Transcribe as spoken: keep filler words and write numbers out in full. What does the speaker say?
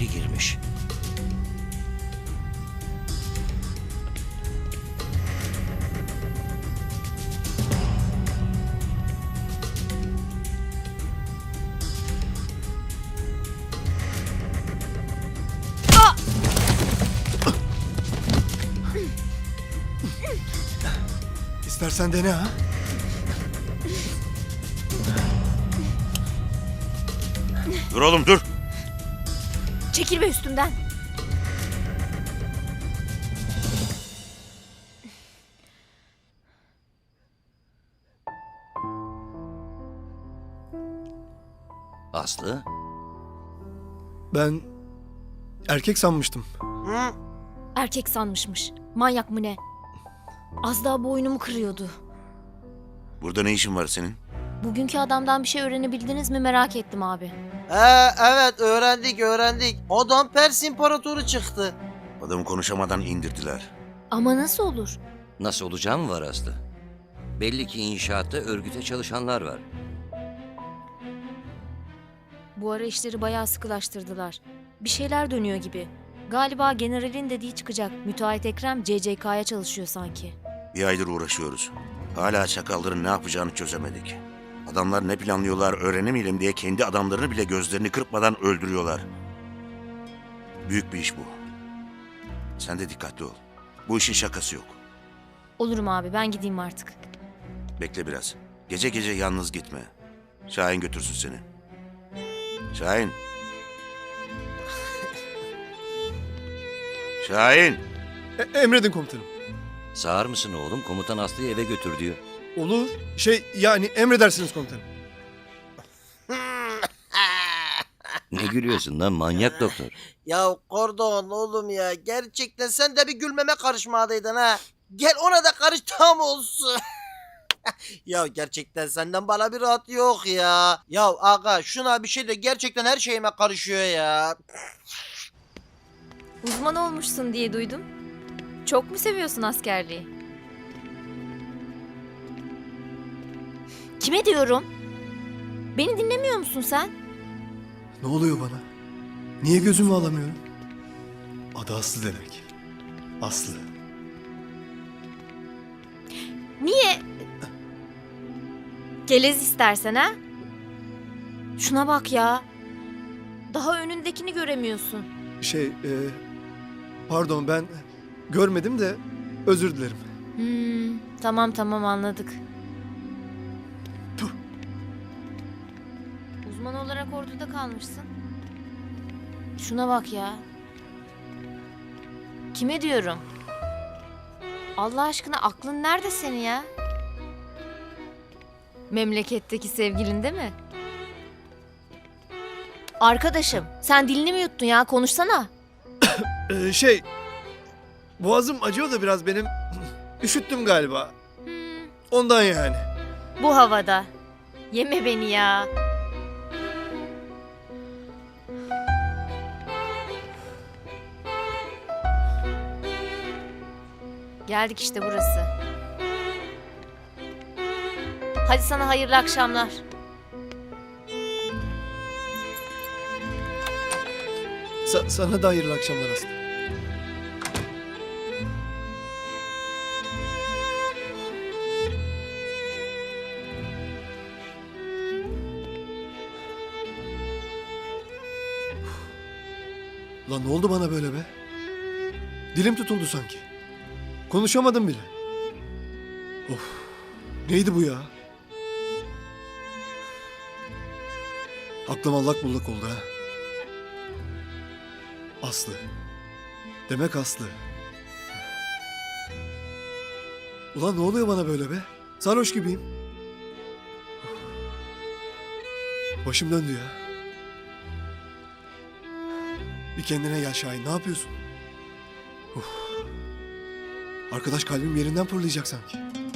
girmiş. İstersen dene ha. Dur oğlum dur. Çekil be üstümden. Aslı, Ben erkek sanmıştım. Hı? Erkek sanmışmış. Manyak mı ne? Az daha boynumu kırıyordu. Burada ne işin var senin? Bugünkü adamdan bir şey öğrenebildiniz mi merak ettim abi. Ee, evet öğrendik öğrendik. Adam Pers İmparatoru çıktı. Adamı konuşamadan indirdiler. Ama nasıl olur? nasıl olacağı mı var Aslı? Belli ki inşaatta örgüte çalışanlar var. Bu ara işleri bayağı sıkılaştırdılar. Bir şeyler dönüyor gibi. Galiba generalin dediği çıkacak. Müteahhit Ekrem C C K'ya çalışıyor sanki. Bir aydır uğraşıyoruz. Hala çakalların ne yapacağını çözemedik. Adamlar ne planlıyorlar öğrenemeyelim diye kendi adamlarını bile gözlerini kırpmadan öldürüyorlar. Büyük bir iş bu. Sen de dikkatli ol. Bu işin şakası yok. Olurum abi, ben gideyim artık. Bekle biraz. Gece gece yalnız gitme. Şahin götürsün seni. Şahin. Şahin. E- emredin komutanım. Sağır mısın oğlum? Komutan Aslı'yı eve götür diyor. Olur. Şey yani emredersiniz komutanım. Ne gülüyorsun lan manyak doktor? Ya Kordon oğlum ya gerçekten sen de bir gülmeme karışmadaydın ha. Gel ona da karış tam olsun. Ya gerçekten senden bana bir rahat yok ya. Ya aga şuna bir şey de gerçekten her şeyime karışıyor ya. Uzman olmuşsun diye duydum. Çok mu seviyorsun askerliği? Kime diyorum? Beni dinlemiyor musun sen? Ne oluyor bana? Niye gözümü alamıyorum? Adı Aslı demek. Aslı. Niye? Gelez istersen ha? Şuna bak ya. Daha önündekini göremiyorsun. Şey, e, pardon ben görmedim de özür dilerim. Hmm, tamam tamam anladık. Tuh. Uzman olarak orduda kalmışsın. Şuna bak ya. Kime diyorum? Allah aşkına aklın nerede senin ya? Memleketteki sevgilin değil mi? Arkadaşım sen dilini mi yuttun ya, konuşsana. E, şey, boğazım acıyor da biraz benim. Üşüttüm galiba. Hmm, Ondan yani. bu havada. Yeme beni ya. Geldik işte burası. Hadi sana hayırlı akşamlar. Sa- sana da hayırlı akşamlar Aslı. Lan ne oldu bana böyle be? Dilim tutuldu sanki. Konuşamadım bile. Of. Neydi bu ya? Aklım allak bullak oldu ha. Aslı. Demek Aslı. Ulan ne oluyor bana böyle be? Sarhoş gibiyim. Başım döndü ya. Bir kendine gel Şahin, ne yapıyorsun? Uf. Arkadaş kalbim yerinden fırlayacak sanki.